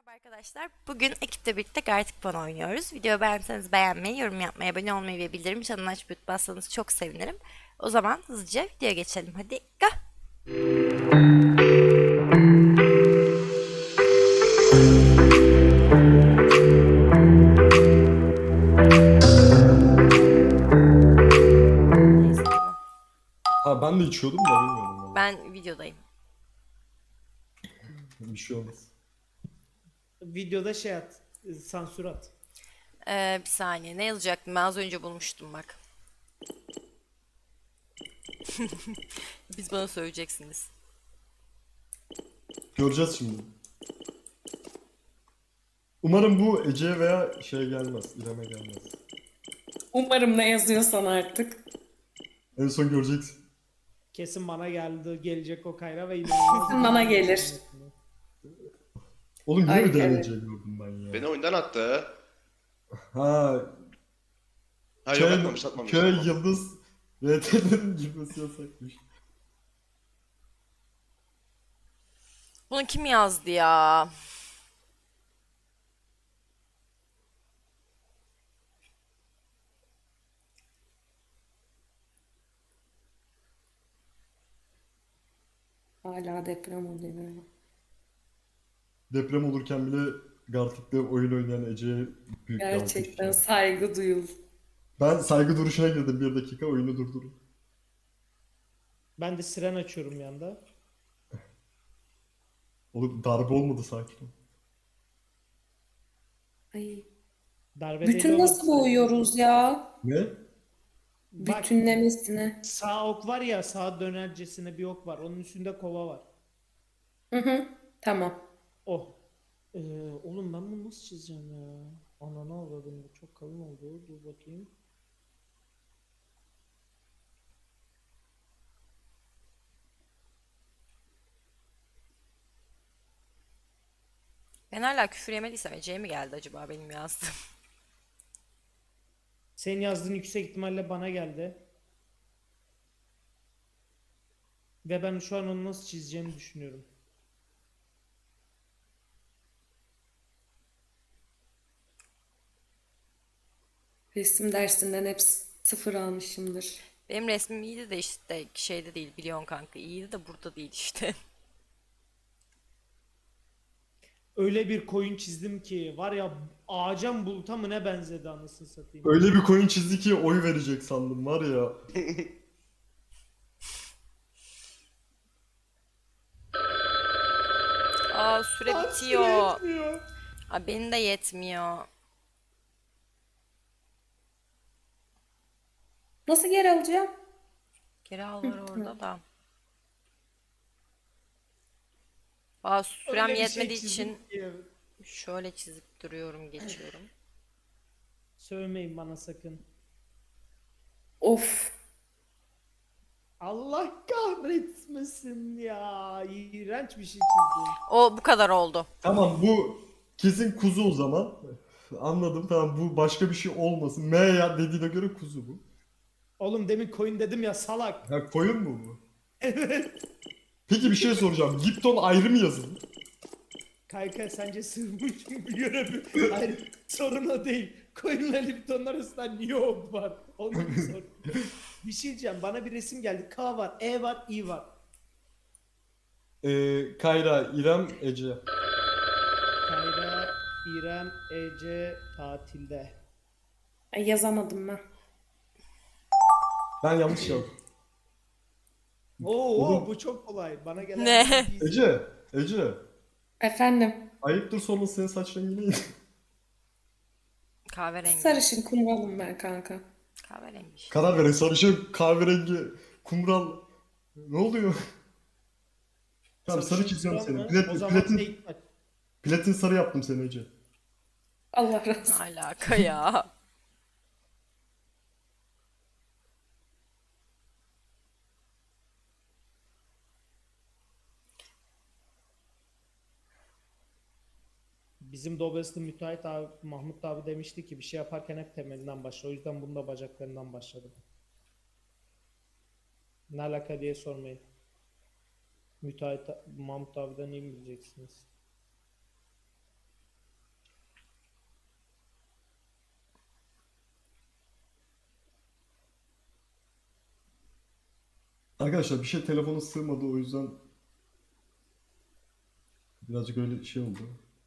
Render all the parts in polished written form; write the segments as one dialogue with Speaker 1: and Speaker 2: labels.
Speaker 1: Merhaba arkadaşlar. Bugün ekiple birlikte Gartic Phone oynuyoruz. Videoyu beğenseniz beğenmeyi, yorum yapmayı, abone olmayı ve bildirim çanını açıp bassanız çok sevinirim. O zaman hızlıca videoya geçelim. Hadi go! Neyse tamam.
Speaker 2: Ha ben de içiyordum da bilmiyorum valla.
Speaker 1: Ben videodayım.
Speaker 2: Bir şey olmaz.
Speaker 3: Videoda şey at, sansür at.
Speaker 1: Bir saniye. Ne yazacaktım? Ben az önce bulmuştum bak. Biz bana söyleyeceksiniz.
Speaker 2: Göreceğiz şimdi. Umarım bu Ece'ye veya şey gelmez. İrem'e gelmez.
Speaker 4: Umarım ne yazıyorsan artık.
Speaker 2: En son göreceksin.
Speaker 3: Kesin bana geldi, gelecek o Kayra ve inanılmaz.
Speaker 4: Kesin bana gelir.
Speaker 2: Oğlum niye
Speaker 4: Ay,
Speaker 2: öyle
Speaker 4: evet.
Speaker 2: Ece'yi gördüm ben ya?
Speaker 5: Beni oyundan attı.
Speaker 2: Ha
Speaker 5: Ha yok atmamış atmamış.
Speaker 2: köy
Speaker 5: Tamam.
Speaker 2: yıldız RT'lerin girmesi yasakmış.
Speaker 1: Bunu kim yazdı ya?
Speaker 4: Hala deprem oluyor.
Speaker 2: Deprem olurken bile Gartic'te oyun oynayan Ece'ye büyük bir alkış.
Speaker 4: Gerçekten saygı duyul.
Speaker 2: Ben saygı duruşuna girdim, bir dakika oyunu durdurun.
Speaker 3: Ben de siren açıyorum yanda.
Speaker 2: Oğlum darbe olmadı, sakin ol.
Speaker 4: Ay.
Speaker 3: Darbe deli
Speaker 4: Bütün
Speaker 3: olur.
Speaker 4: nasıl boyuyoruz ya?
Speaker 2: Ne?
Speaker 3: Bak,
Speaker 4: Bütünlemesine.
Speaker 3: sağ ok var ya, sağ dönercesine bir ok var. Onun üstünde kova var.
Speaker 4: Hı hı. Tamam.
Speaker 3: Oh. Oğlum ben bunu nasıl çizeceğim ya? Ananı avradım, bu çok kalın oldu. Dur bakayım.
Speaker 1: Ben hala küfür yemediysem Ece'ye mi geldi acaba benim yazdığım?
Speaker 3: Senin yazdığın yüksek ihtimalle bana geldi. Ve ben şu an onu nasıl çizeceğimi düşünüyorum.
Speaker 4: Resim dersinden hep sıfır almışımdır.
Speaker 1: Benim resmim iyiydi de işte şeyde değil biliyorsun kanka. İyiydi de burada değil işte.
Speaker 3: Öyle bir koyun çizdim ki var ya, ağaca mı buluta mı ne benzedi anasını satayım.
Speaker 2: Öyle bir koyun çizdi ki oy verecek sandım var ya.
Speaker 1: Aa süre
Speaker 3: Lan
Speaker 1: bitiyor.
Speaker 3: yetmiyor.
Speaker 1: Aa, benim de yetmiyor.
Speaker 4: Nasıl geri alacağım?
Speaker 1: Geri al var orada da. Aa sürem
Speaker 3: Öyle bir şey
Speaker 1: yetmediği
Speaker 3: çizdim
Speaker 1: için
Speaker 3: ki.
Speaker 1: şöyle çizip duruyorum, geçiyorum.
Speaker 3: Sövmeyin bana sakın.
Speaker 4: Of.
Speaker 3: Allah kahretmesin ya. İğrenç bir şey çizdim.
Speaker 1: O bu kadar oldu.
Speaker 2: Tamam, bu kesin kuzu o zaman. Anladım, tamam, bu başka bir şey olmasın. M ya dediğine göre kuzu bu.
Speaker 3: Oğlum demin koyun dedim ya, salak.
Speaker 2: Ha, koyun mu bu? Peki bir şey soracağım. Lipton ayrı mı yazılı?
Speaker 3: Kanka sence sığmış mı bir görevi? Hayır, sorun o değil. Koyunla Lipton'un arasında niye ok var? Onu bir sor. Bir şey diyeceğim. Bana bir resim geldi. K var, E var, İ var.
Speaker 2: Kayra, İrem, Ece.
Speaker 3: Kayra, İrem, Ece tatilde.
Speaker 4: Ay, yazamadım ben.
Speaker 2: Ben yanlış yazdım.
Speaker 3: Oo,
Speaker 2: Oğlum.
Speaker 3: bu çok kolay. Bana gelen
Speaker 1: Ne?
Speaker 3: bir bilgi.
Speaker 2: Ece.
Speaker 4: Efendim.
Speaker 2: Ayıptır sorma, senin saç rengi neydi?
Speaker 1: Kahverengi.
Speaker 4: Sarışın kumralım ben kanka.
Speaker 1: Kahverengi işte.
Speaker 2: Karar verin, sarışın, kahverengi, kumral. Ne oluyor? Tamam, sarı
Speaker 3: Sarışın
Speaker 2: çiziyorum
Speaker 3: kural
Speaker 2: seni.
Speaker 3: mı? O zaman
Speaker 2: Platin,
Speaker 3: tek taç.
Speaker 2: platin sarı yaptım seni Ece.
Speaker 4: Allah razı olsun.
Speaker 1: Alaka ya.
Speaker 3: Bizim Dobes'li müteahhit abi, Mahmut abi demişti ki bir şey yaparken hep temelinden başla. O yüzden bunu da bacaklarından başladım. Ne alaka diye sormayın. Müteahhit Mahmut abiden iyi mi bileceksiniz?
Speaker 2: Arkadaşlar bir şey telefona sığmadı, o yüzden birazcık öyle şey oldu.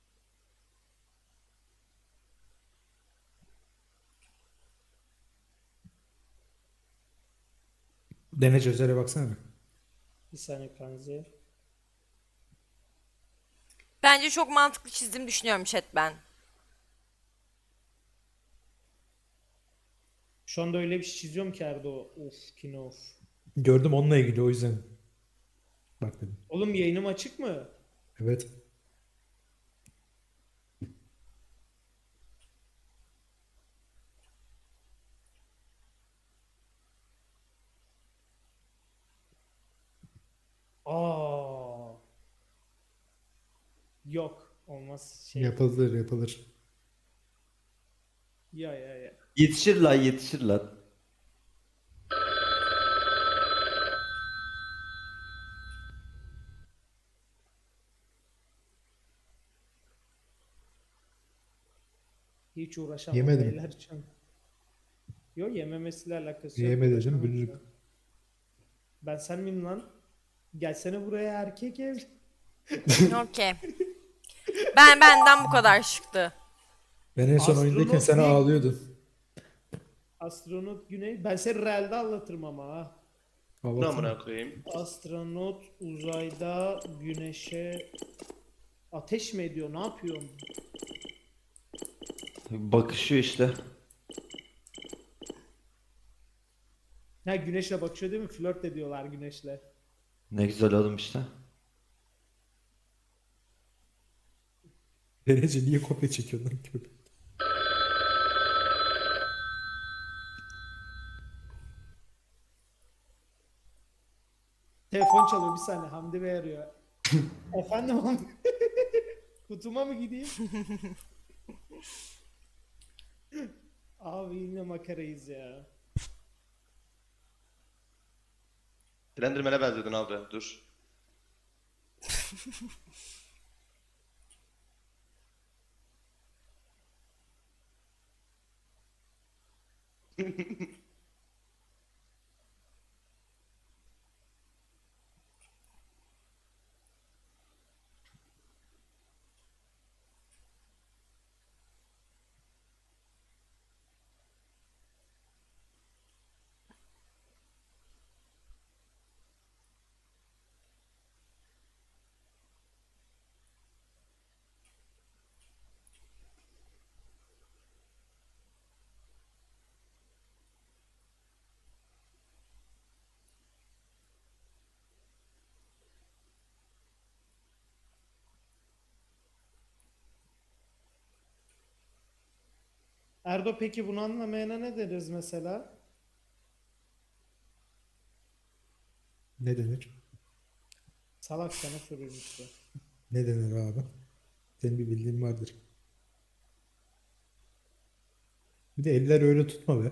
Speaker 6: Denece üzere baksana bir.
Speaker 3: Bir saniye kanzi.
Speaker 1: Bence çok mantıklı çizdiğimi düşünüyorum chat ben.
Speaker 3: Şu anda öyle bir şey çiziyorum ki Erdo. Of kino of.
Speaker 6: Gördüm onunla ilgili, o yüzden. Bak dedim.
Speaker 3: Oğlum yayınım açık mı?
Speaker 6: Evet.
Speaker 3: Aa. Yok. Olmaz şey.
Speaker 6: Yapılır yapılır.
Speaker 3: Ya.
Speaker 7: Yetişir lan, yetişir lan.
Speaker 3: Hiç uğraşamam
Speaker 6: Yemedim.
Speaker 3: beyler şu an. Yok yememesiyle alakası yok.
Speaker 6: Yeme dedim,
Speaker 3: Uğraşamam
Speaker 6: bülürüm.
Speaker 3: şu an. Ben sen miyim lan? Gelsene buraya erkek ev.
Speaker 1: Okey. Benden bu kadar çıktı.
Speaker 6: Ben en son
Speaker 3: Astronot
Speaker 6: oyundayken sen
Speaker 3: değil.
Speaker 6: ağlıyordun.
Speaker 3: Astronot Güney. Ben seni realde anlatırım ama ha.
Speaker 5: Ne
Speaker 6: Allah'tan.
Speaker 5: amına koyayım?
Speaker 3: Astronot uzayda güneşe ateş mi ediyor? Ne yapıyor?
Speaker 7: Bakışıyor işte.
Speaker 3: Ha güneşle bakışıyor değil mi? Flört ediyorlar güneşle.
Speaker 7: Ne güzel oğlum işte.
Speaker 6: Denece niye kopya çekiyorsun lan köpek?
Speaker 3: Telefon çalıyor bir saniye. Hamdi Bey arıyor. Efendim Hamdi? Kutuma mı gideyim? Abi yine makarayız ya.
Speaker 5: Slenderman'e benziyordun abi. Dur.
Speaker 3: Erdo peki bunu anlamayana ne deriz mesela?
Speaker 6: Ne denir?
Speaker 3: Salak sana soruyorum işte.
Speaker 6: Ne denir abi? Senin bir bildiğin vardır. Bir de eller öyle tutma be.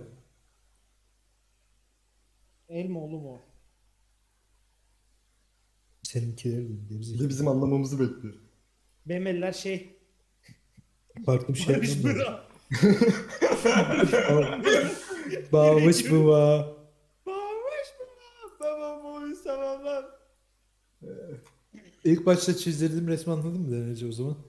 Speaker 3: El mi oğlum o?
Speaker 6: Seninkileri de
Speaker 2: Bir de
Speaker 6: gerizekalı.
Speaker 2: bizim anlamamızı bekliyor.
Speaker 3: Benim eller şey.
Speaker 6: Farklı bir şey
Speaker 3: Barış
Speaker 6: yapmam lazım.
Speaker 3: Bıra.
Speaker 6: Bağmış baba.
Speaker 3: Barış Bıra. Tamam boyu tamamlar.
Speaker 6: İlk başta çizdirdiğim resmi anladın mı Denece o zaman?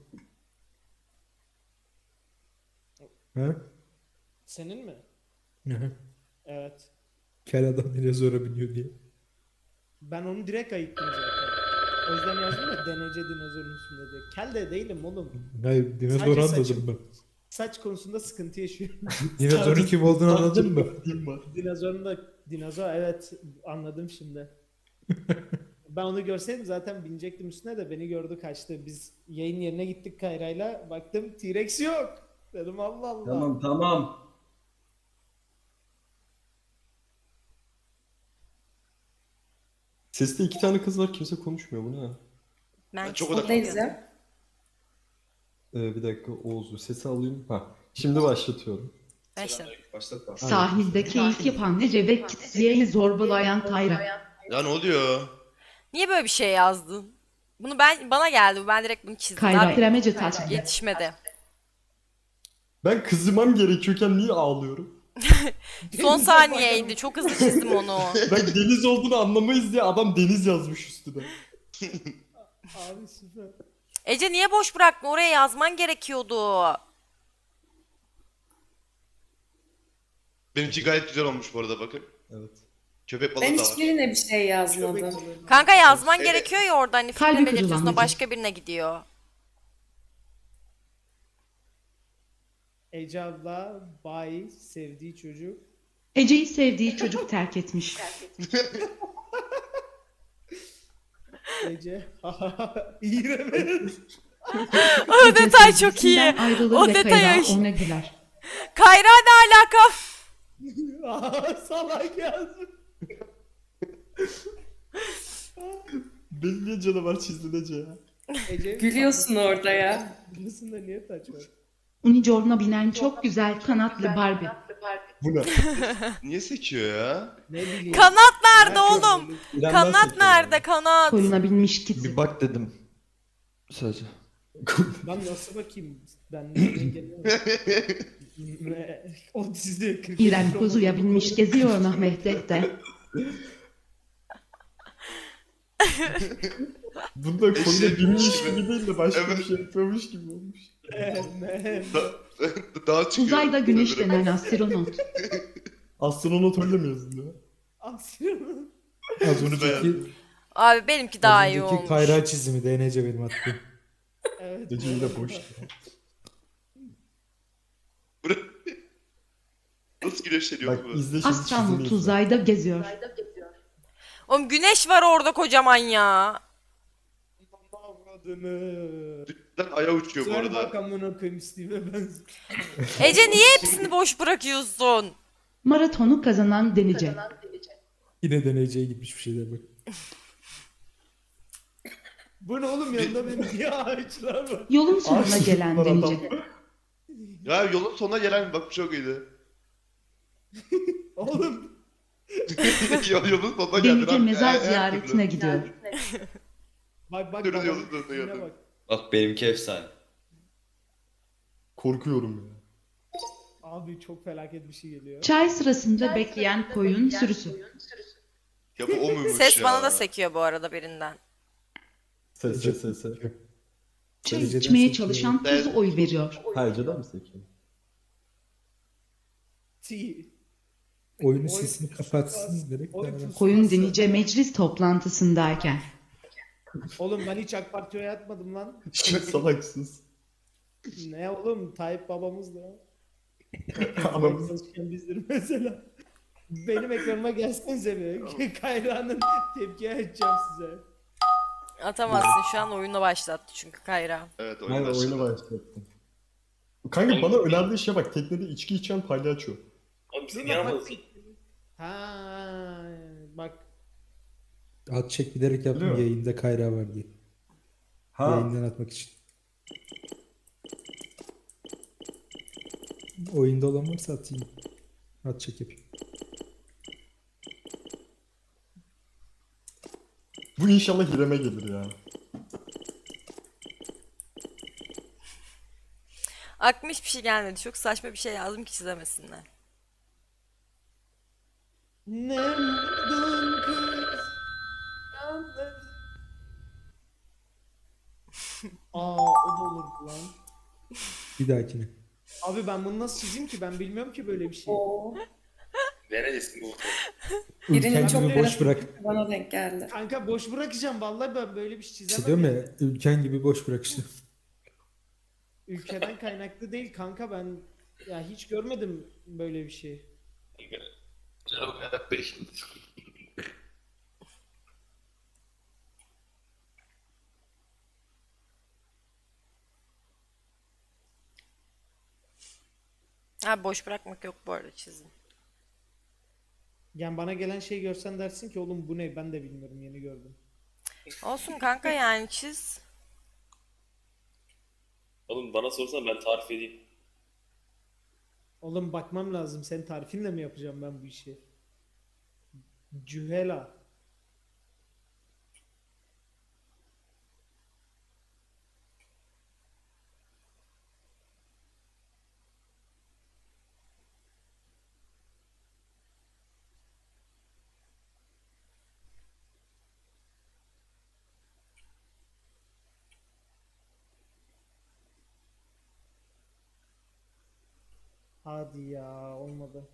Speaker 6: Ha?
Speaker 3: Senin mi?
Speaker 6: Hı hı.
Speaker 3: Evet.
Speaker 6: Kel adam yine zora biniyor diye.
Speaker 3: Ben onu direkt ayıktım zaten. O yüzden yazdım ya denece dinozorun üstünde diye. Kel de değilim oğlum.
Speaker 6: Hayır, dinozor
Speaker 3: Sadece
Speaker 6: anladım
Speaker 3: saçım-
Speaker 6: ben.
Speaker 3: Saç konusunda sıkıntı yaşıyorum.
Speaker 6: Dinozorun kim olduğunu anladın mı?
Speaker 2: Bildiğim var.
Speaker 3: Dinozorun da dinozor evet anladım şimdi. Ben onu görseydim zaten binecektim üstüne de beni gördü kaçtı. Biz yayın yerine gittik Kayra'yla. Baktım T-Rex yok. Dedim Allah Allah.
Speaker 2: Tamam. Seste iki tane kız var, kimse konuşmuyor, bu ne?
Speaker 1: Ben
Speaker 5: çok
Speaker 1: kesinlikle
Speaker 4: Oradayız
Speaker 1: bilmiyordum.
Speaker 4: ya.
Speaker 2: Bir dakika Oğuz'u sesi alayım. Ha. Şimdi başlatıyorum.
Speaker 1: Başla.
Speaker 5: Başlatma.
Speaker 8: Sahilde keyif yapan Ece ve Kitsiye'yi zorbalayan Kayra.
Speaker 5: Ya ne oluyor?
Speaker 1: Niye böyle bir şey yazdın? Bunu bana geldi. Ben direkt bunu çizdim.
Speaker 8: Kayra
Speaker 1: Daha
Speaker 8: Kremece taç.
Speaker 1: yetişmedi.
Speaker 2: Ben kızmam gerekiyorken niye ağlıyorum?
Speaker 1: Son
Speaker 3: Denize
Speaker 1: saniyeydi. Çok hızlı çizdim onu.
Speaker 2: Ben deniz olduğunu anlamayız diye adam deniz yazmış üstüne.
Speaker 3: Abi süper.
Speaker 1: Ece niye boş bıraktın? Oraya yazman gerekiyordu.
Speaker 5: Benimki gayet güzel olmuş bu arada bakın.
Speaker 2: Evet.
Speaker 5: Köpek balığı
Speaker 4: Ben
Speaker 5: da var.
Speaker 4: hiçbirine bir şey yazmadım.
Speaker 1: Kanka yazman gerekiyor ya orada hani
Speaker 8: Kalbi
Speaker 1: fikrini
Speaker 8: kırılan
Speaker 1: belirtiyorsun o
Speaker 8: Ece.
Speaker 1: başka birine gidiyor.
Speaker 3: Ece abla bay sevdiği çocuk.
Speaker 8: Ece'yi sevdiği çocuk terk etmiş.
Speaker 3: Ece. İğrenç.
Speaker 1: O
Speaker 8: Ece
Speaker 1: detay çok iyi.
Speaker 8: sevgilisinden ayrılır
Speaker 1: O
Speaker 8: ve
Speaker 1: detay
Speaker 8: Kayra
Speaker 1: ay-
Speaker 8: ona güler.
Speaker 1: Kayra ne alaka?
Speaker 3: Salak yazmış.
Speaker 2: Beni niye canavar çizdin Ece ya?
Speaker 3: Ece.
Speaker 4: Gülüyorsun orada ya.
Speaker 3: Gülüyorsun da niye taç var?
Speaker 8: Unicorn'a binen çok güzel kanatlı Barbie.
Speaker 2: Bu ne?
Speaker 5: Niye sekiyor ya?
Speaker 3: Ne bileyim.
Speaker 1: Kanat nerede
Speaker 3: Merak
Speaker 1: oğlum?
Speaker 3: ediyorum.
Speaker 2: İrem'den
Speaker 1: Kanat
Speaker 2: seçiyorum
Speaker 1: nerede
Speaker 2: yani.
Speaker 1: kanat?
Speaker 8: Koyuna binmiş Kitty.
Speaker 7: Bir bak dedim. Sadece.
Speaker 3: Ben nasıl bakayım? Ben engellemedim. O dizide 40
Speaker 8: İrem kuzuya binmiş geziyor Mehmet'te.
Speaker 2: Bunda koyuna
Speaker 5: Eşek
Speaker 2: binmiş
Speaker 5: gibi.
Speaker 2: gibi değil de başka
Speaker 5: Evet.
Speaker 2: bir şey yapıyormuş gibi olmuş.
Speaker 5: Daha çıkıyor.
Speaker 8: Uzayda güneşlenen astronot.
Speaker 2: Astronot öyle mi yazılıyor?
Speaker 3: Aksiyon.
Speaker 6: Az
Speaker 5: Bunu
Speaker 6: önceki,
Speaker 5: beğendim.
Speaker 1: Abi benimki daha
Speaker 6: az
Speaker 1: iyi
Speaker 6: önceki
Speaker 1: olmuş.
Speaker 6: Kayra çizimi DNC benim attığım.
Speaker 3: Evet.
Speaker 2: Ece yine boş.
Speaker 5: Nasıl güneşleniyor
Speaker 2: Bak
Speaker 5: bu?
Speaker 2: izle şimdi
Speaker 8: Astronot
Speaker 2: çizimi izle.
Speaker 8: uzayda geziyor.
Speaker 1: Oğlum güneş var orada kocaman ya.
Speaker 3: Avradını.
Speaker 5: Dükten aya uçuyor bu
Speaker 3: Söyle
Speaker 5: arada.
Speaker 3: bak amına koyayım Steve'e ben.
Speaker 1: Ece niye hepsini boş bırakıyorsun?
Speaker 8: Maratonu kazanan Denice.
Speaker 6: Yine DNC'ye gitmiş bir şeyler bak.
Speaker 3: Bu ne oğlum yanında benim niye ağaçlar var?
Speaker 8: Yolun sonuna
Speaker 2: Ağaç
Speaker 8: gelen
Speaker 2: var adam.
Speaker 8: Denice.
Speaker 5: Ya yolun sonuna gelen bak bu çok iyiydi.
Speaker 3: Oğlum.
Speaker 5: Yolun sonuna geldin
Speaker 8: Denice
Speaker 5: abi.
Speaker 8: mezar
Speaker 5: Her
Speaker 8: ziyaretine
Speaker 5: türlü.
Speaker 8: gidiyor.
Speaker 3: Bak
Speaker 5: Dönün
Speaker 3: baba,
Speaker 5: yolun sonuna
Speaker 3: yine
Speaker 5: geldin.
Speaker 3: bak.
Speaker 9: Bak benimki efsane.
Speaker 2: Korkuyorum ya.
Speaker 3: Abi çok felaket bir şey geliyor.
Speaker 8: Çay sırasında bekleyen koyun sürüsü.
Speaker 5: Ya bu o muymuş
Speaker 1: Ses
Speaker 5: ya?
Speaker 1: bana da sekiyor bu arada birinden.
Speaker 2: Ses.
Speaker 8: Çay
Speaker 6: Dereceden
Speaker 8: içmeye
Speaker 6: sekiyor.
Speaker 8: çalışan kuzu oy veriyor.
Speaker 2: Ha Ece'den mi sekiyor?
Speaker 3: T.
Speaker 6: Oyunun
Speaker 3: Oy-
Speaker 6: sesini kapatsın direkt.
Speaker 3: Oy-
Speaker 6: daha rahat.
Speaker 8: Koyun Denice meclis toplantısındayken.
Speaker 3: Oğlum ben hiç AK Parti'ye yatmadım lan.
Speaker 2: Salaksız.
Speaker 3: Ne oğlum Tayyip babamız da.
Speaker 2: Anamız.
Speaker 3: Çalışkan bizdir mesela. Benim ekranıma gelsenize bir. Kayra'nın tepki açacağım size.
Speaker 1: Atamazsın şu an oyunu başlattı çünkü Kayra.
Speaker 5: Evet
Speaker 2: Ben
Speaker 5: oyun
Speaker 2: oyuna
Speaker 5: başladı.
Speaker 2: başlattım. Kanka bana önerdiği şeye bak, teknede içki içen palyaço.
Speaker 9: Oğlum biz
Speaker 3: Dur
Speaker 9: niye
Speaker 3: lan,
Speaker 9: almadık?
Speaker 3: Ha bak.
Speaker 6: At çek bilerek yaptım
Speaker 2: Biliyor musun?
Speaker 6: yayında Kayra var diye.
Speaker 2: Ha.
Speaker 6: Yayından atmak için. Oyunda olan varsa atayım. At çek yapayım.
Speaker 2: Bu inşallah Hirem'e gelir ya.
Speaker 1: Aklıma hiçbir şey gelmedi. Çok saçma bir şey yazdım ki çizemesinler.
Speaker 3: Ne buldun kız? Aa o da olur lan.
Speaker 6: Bir dahakine.
Speaker 3: Abi ben bunu nasıl çizeyim ki? Ben bilmiyorum ki böyle bir şey.
Speaker 4: Oo.
Speaker 9: Neredesin bu?
Speaker 4: Birinin
Speaker 6: Ülken
Speaker 4: çok
Speaker 6: gibi boş bırak.
Speaker 4: bana denk geldi.
Speaker 3: Kanka boş bırakacağım. Vallahi ben böyle bir şey çizemem.
Speaker 6: İşte diyorum
Speaker 3: yani.
Speaker 6: ya ülken gibi boş bırak işte.
Speaker 3: Ülkeden kaynaklı değil kanka, ben ya hiç görmedim böyle bir şey.
Speaker 1: Ha boş bırakmak yok bu arada çizim.
Speaker 3: Yani bana gelen şey görsen dersin ki oğlum bu ne, ben de bilmiyorum, yeni gördüm.
Speaker 1: Olsun kanka yani çiz.
Speaker 9: Oğlum bana sorsan ben tarif edeyim.
Speaker 3: Oğlum bakmam lazım, senin tarifinle mi yapacağım ben bu işi? Cühela. Hadi ya olmadı.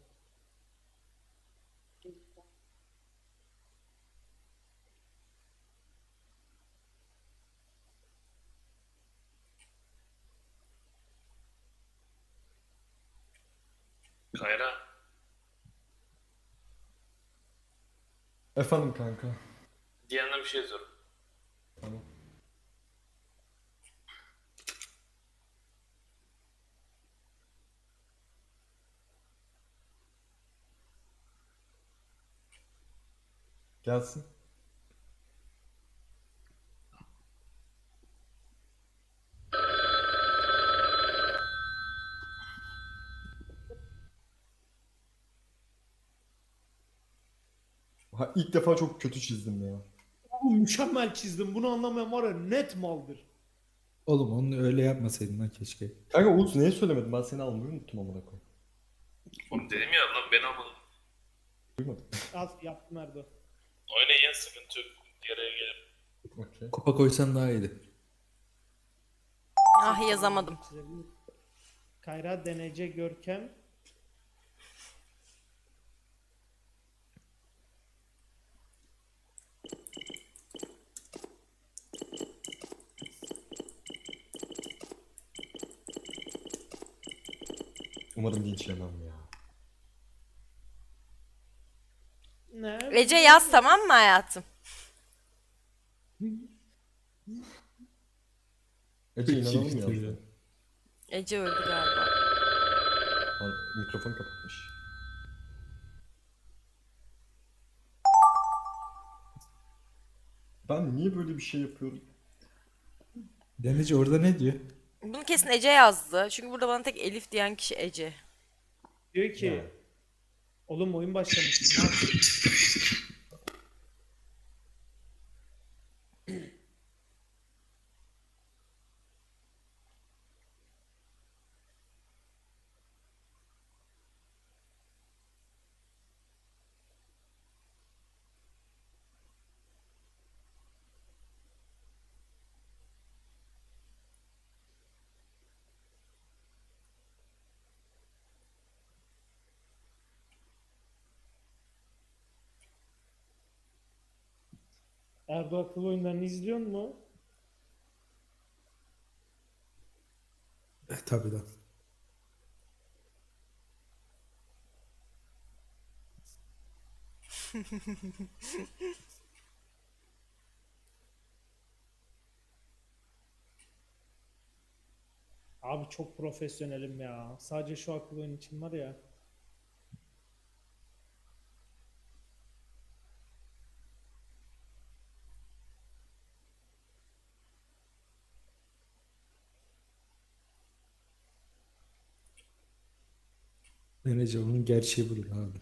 Speaker 9: Kayra.
Speaker 2: Efendim kanka.
Speaker 9: Diyan'a bir şey sor.
Speaker 2: Tamam. Gelsin. Ha, ilk defa çok kötü çizdim ya.
Speaker 3: Bu mükemmel çizdim. Bunu anlamayan var ya net maldır.
Speaker 6: Oğlum onu öyle yapmasaydın lan keşke.
Speaker 2: Kanka Uğuz niye söylemedin? Ben seni almayı unuttum amına koyayım.
Speaker 9: Oğlum dedim ya lan ben almadım.
Speaker 2: Duymadım.
Speaker 3: Az yaptım Erdo.
Speaker 9: Oynayın ya sıkıntı yok. Yaraya gelin.
Speaker 2: Okey.
Speaker 6: Kupa koysan daha iyiydi.
Speaker 1: Ah yazamadım.
Speaker 3: Kayra, Denece, Görkem.
Speaker 2: Umarım linç yemem ya.
Speaker 3: Ne?
Speaker 1: Ece yaz, tamam mı hayatım?
Speaker 2: Ece
Speaker 6: Peki,
Speaker 2: inanalım
Speaker 6: bitti
Speaker 2: ya.
Speaker 6: ya.
Speaker 1: Ece öldü galiba.
Speaker 2: Mikrofon kapatmış. Ben niye böyle bir şey yapıyorum?
Speaker 6: Denizci orada ne diyor?
Speaker 1: Bunu kesin Ece yazdı. Çünkü burada bana tek Elif diyen kişi Ece.
Speaker 3: Diyor ki
Speaker 2: Ya.
Speaker 3: oğlum oyun başlamış. Ne yapayım? Erdo akıl oyunlarını izliyor mu?
Speaker 6: Tabii lan.
Speaker 3: Abi çok profesyonelim ya. Sadece şu akıl oyun için var ya.
Speaker 6: Denizci onun gerçeği budur abi.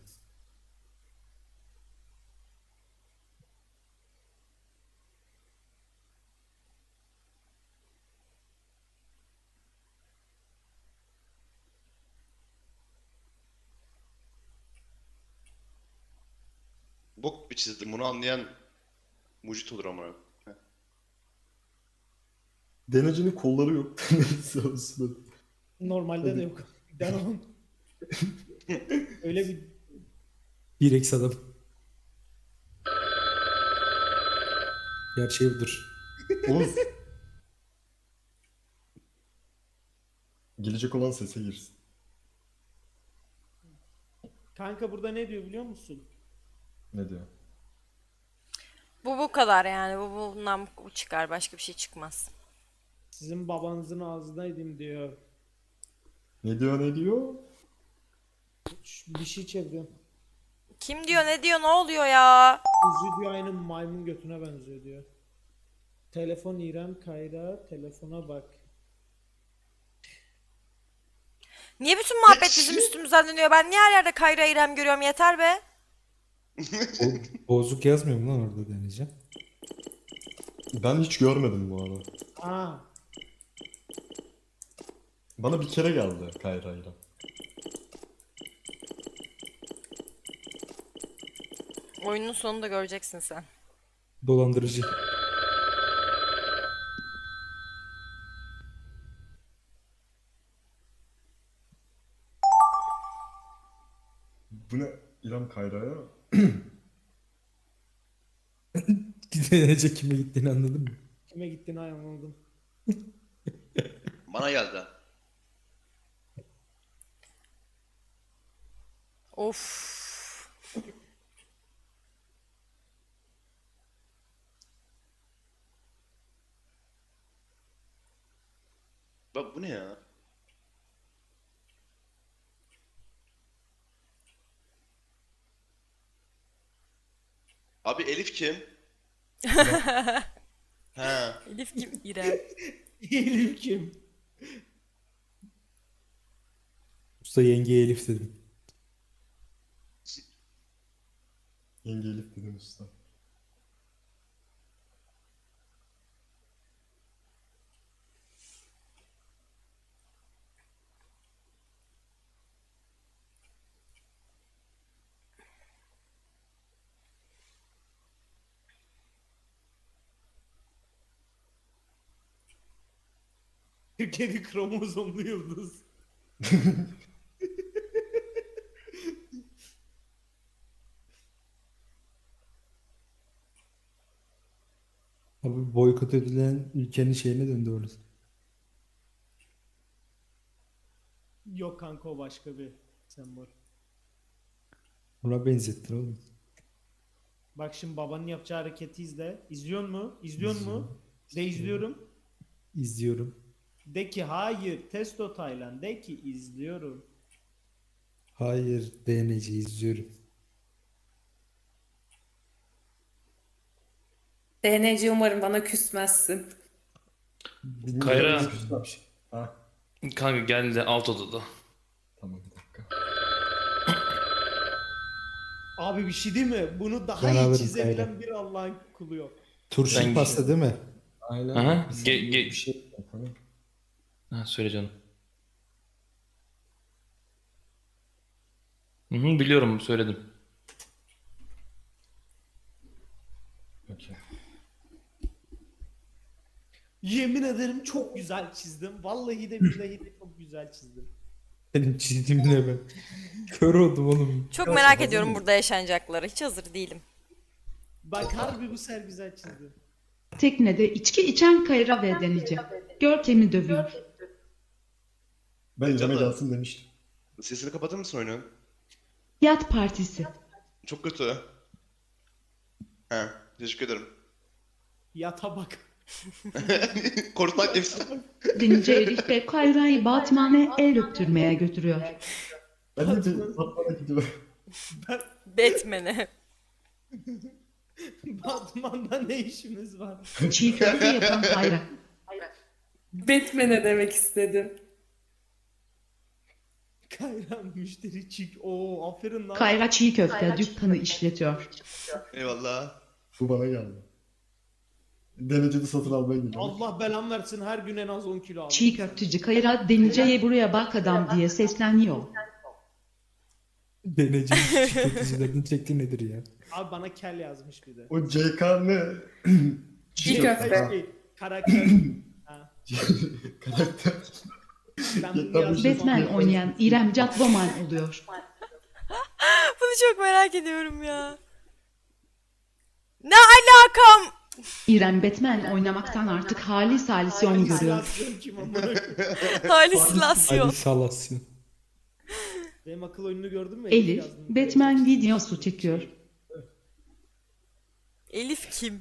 Speaker 5: Bok bir çizdim. Bunu anlayan mucit olur ama.
Speaker 2: Denecinin kolları yok. Neyse olsun.
Speaker 3: Normalde de yok. Devam. Öyle bir
Speaker 6: Bir adam. Gerçeği budur.
Speaker 2: Oğuz. Gelecek olan sese girsin.
Speaker 3: kanka burada ne diyor biliyor musun?
Speaker 2: Ne diyor?
Speaker 1: Bu kadar yani. Bundan bu çıkar. Başka bir şey çıkmaz.
Speaker 3: Sizin babanızın ağzına edeyim diyor.
Speaker 2: Ne diyor ne diyor?
Speaker 3: Bir şey çeviriyorum.
Speaker 1: Kim diyor, ne diyor, ne oluyor ya?
Speaker 3: Yüzü diyor aynı maymun götüne benziyor diyor. Telefon İrem Kayra telefona bak.
Speaker 1: Niye bütün muhabbet bizim üstümüzden dönüyor? Ben niye her yerde Kayra İrem görüyorum? Yeter be.
Speaker 6: Bozuk yazmıyor mu lan orada Denizci?
Speaker 2: Ben hiç görmedim bu arada.
Speaker 3: Aa,
Speaker 2: Bana bir kere geldi Kayra'yla.
Speaker 1: Oyunun sonunda göreceksin sen.
Speaker 6: Dolandırıcı.
Speaker 2: Bu ne? İrem Kayra'ya.
Speaker 6: Gidince kime gittiğini anladın mı?
Speaker 3: Kime gittiğini anladım.
Speaker 5: Bana geldi.
Speaker 1: Of.
Speaker 5: Bak bu ne ya? Abi Elif kim? Ha.
Speaker 1: Elif kim? İrem.
Speaker 3: Elif kim?
Speaker 6: Usta yengeye Elif dedim.
Speaker 2: Yenge Elif dedim usta.
Speaker 3: Türkiye'de kromozomlu yıldız.
Speaker 6: Abi boykot edilen ülkenin şeyine döndü orası.
Speaker 3: Yok kanka o başka bir sembol.
Speaker 6: Buna benzettin oğlum.
Speaker 3: Bak şimdi babanın yapacağı hareketi izle. İzliyor mu? İzliyor mu? De izliyorum.
Speaker 6: İzliyorum.
Speaker 3: De ki hayır. Testo Taylan. De ki izliyorum.
Speaker 6: Hayır DNC izliyorum.
Speaker 4: DNC umarım bana küsmezsin.
Speaker 2: Bilmiyorum.
Speaker 9: Kayra.
Speaker 2: Ha,
Speaker 9: Kanka geldi alt odada.
Speaker 2: tamam bir dakika.
Speaker 3: Abi bir şey değil mi? Bunu daha
Speaker 6: Ben
Speaker 3: iyi
Speaker 6: alırım
Speaker 3: çizebilen
Speaker 6: Kayra.
Speaker 3: bir Allah'ın kulu yok.
Speaker 6: Turşu
Speaker 9: Ben-
Speaker 6: pasta değil mi?
Speaker 2: Aynen.
Speaker 9: Aha.
Speaker 2: Bir
Speaker 9: Ge- ge-
Speaker 2: bir şey. Tamam.
Speaker 9: Ha söyle canım. Hı, biliyorum söyledim.
Speaker 2: Okey.
Speaker 3: Yemin ederim çok güzel çizdim. Vallahi de billahi de çok güzel çizdim.
Speaker 6: Benim çizdiğimle ben. Kör oldum oğlum.
Speaker 1: Çok merak ediyorum burada yaşanacakları. Hiç hazır değilim.
Speaker 3: Bak harbi bu ser güzel çizdi.
Speaker 8: Teknede içki içen Kayra ve Denice. Görkem'i dövüyor.
Speaker 2: Ben İrem'e
Speaker 5: Canım.
Speaker 2: gelsin demiştim.
Speaker 5: Sesini kapatır mısın oyunun?
Speaker 8: Yat partisi.
Speaker 5: Çok kötü. He. Teşekkür ederim.
Speaker 3: Yata bak.
Speaker 5: Korkutmak nefsi.
Speaker 8: Denice Elif ve Kayra'yı Batman'e el öptürmeye götürüyor.
Speaker 2: Ben de Batman'a gidiyorum.
Speaker 1: Batman'e.
Speaker 3: Batman'da ne işimiz var?
Speaker 8: Çiğ köfte yapan Kayra.
Speaker 4: Batman'e demek istedim.
Speaker 3: Kayra müşteri çik. Oo aferin lan.
Speaker 8: Kayra çiğ köfte dükkanı işletiyor.
Speaker 5: Eyvallah.
Speaker 2: Bu bana geldi. Dereceli satın almaya gidiyorum.
Speaker 3: Allah belam versin her gün en az 10 kilo aldım.
Speaker 8: Çiğ köfteci Kayra Denice'ye buraya bak adam diye sesleniyor.
Speaker 6: DNC tüketicilerin çektiği nedir ya?
Speaker 3: Abi bana kel yazmış bir de.
Speaker 2: O CK ne?
Speaker 4: Çiğ köfte.
Speaker 3: Karakter. Ha.
Speaker 2: Karakter.
Speaker 3: Ben bunu
Speaker 2: Yeter,
Speaker 3: yazdım.
Speaker 8: Batman oynayan İrem Catwoman oluyor.
Speaker 1: Bunu çok merak ediyorum ya. Ne alakam?
Speaker 8: İrem Batman oynamaktan artık halüsinasyon görüyor.
Speaker 3: Halüsinasyon kim amına koyayım?
Speaker 1: Halüsinasyon.
Speaker 6: Hadi salasyon.
Speaker 3: Benim akıl oyununu gördün mü?
Speaker 8: Elif,
Speaker 3: yazdım.
Speaker 8: Batman videosu çekiyor.
Speaker 1: Elif kim?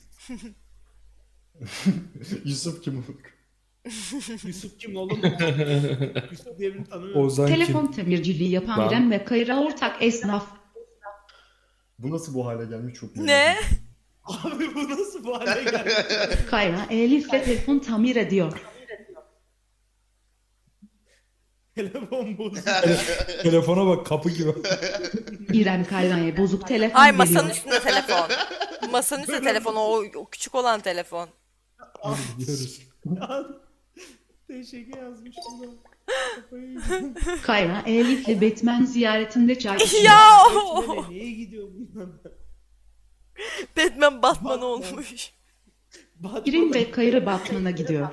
Speaker 2: Yusuf kim?
Speaker 3: Yusuf kim oğlum? Yusuf diye birini tanımıyorum.
Speaker 6: Ozan
Speaker 8: Telefon
Speaker 6: kim?
Speaker 8: tamirciliği yapan
Speaker 9: Ben-
Speaker 8: İrem ve Kayra ortak esnaf.
Speaker 2: Bu nasıl bu hale gelmiş çok merak
Speaker 1: Ne?
Speaker 2: ediyorum.
Speaker 3: Abi bu nasıl bu hale geldi?
Speaker 8: Kayra Elif'le telefon tamir ediyor.
Speaker 3: Telefon bozuldu.
Speaker 6: Telefona bak kapı gibi.
Speaker 8: İrem Kayra'ya bozuk telefon
Speaker 1: Ay masanın
Speaker 8: veriyor.
Speaker 1: üstünde telefon. Masanın üstünde telefon o küçük olan telefon.
Speaker 6: Gidiyoruz.
Speaker 3: Teşekkür yazmış buna. Kafayı yiyeceğim.
Speaker 8: Kayra Elif'le Batman ziyaretinde çay içiyor.
Speaker 1: Ya
Speaker 3: Batman'e neye gidiyor bunlar?
Speaker 1: Batman Batman olmuş.
Speaker 8: İrem ve Kayra Batman'a gidiyor.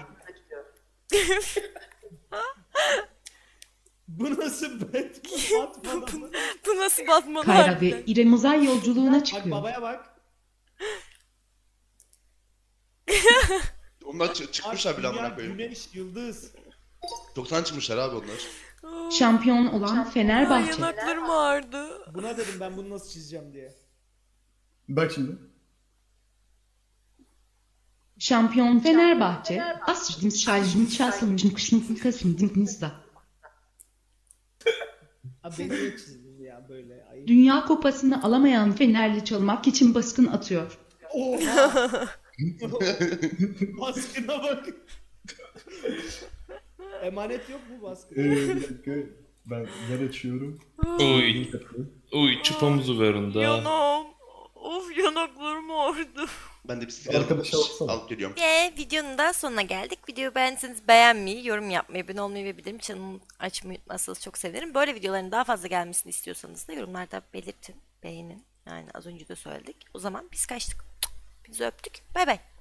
Speaker 3: Bu nasıl Batman?
Speaker 1: Bu nasıl Batman
Speaker 8: Kayra
Speaker 1: harbiden?
Speaker 8: ve İrem uzay yolculuğuna
Speaker 3: Bak
Speaker 8: çıkıyor.
Speaker 3: babaya bak.
Speaker 5: Onlar
Speaker 3: Ay,
Speaker 5: çıkmışlar bile
Speaker 3: dünya,
Speaker 5: amına koyayım.
Speaker 3: güneş, yıldız.
Speaker 5: Çoktan çıkmışlar abi onlar.
Speaker 8: Şampiyon olan
Speaker 1: Ay,
Speaker 8: Fenerbahçe.
Speaker 1: yanaklarım ağrıdı.
Speaker 3: Buna dedim ben bunu nasıl çizeceğim diye.
Speaker 2: Bak şimdi.
Speaker 8: Şampiyon Fenerbahçe. Asrdım şarjım çalsınmışım kışın kasımdınızda.
Speaker 3: Abi beni niye çizdin ya böyle? Ayıp.
Speaker 8: Dünya kupasını alamayan Fenerli çalmak için baskın atıyor.
Speaker 3: Oha! Baskına bak. Emanet yok mu baskı?
Speaker 2: Bir dakika. Ben yer açıyorum.
Speaker 9: Uy. Uy çıpamızı verin da.
Speaker 1: Yanağım. Of yanaklarım ağrıdı.
Speaker 5: Ben de bir sigara
Speaker 2: Arkadaşa baksana.
Speaker 5: alıp geliyorum.
Speaker 1: Videonun da sonuna geldik. Videoyu beğendiyseniz beğenmeyi, yorum yapmayı, abone olmayı ve bildirim çanını açmayı unutmazsanız çok sevinirim. Böyle videoların daha fazla gelmesini istiyorsanız da yorumlarda belirtin, beğenin. Yani az önce de söyledik. O zaman biz kaçtık. Bizi öptük. Bay bay.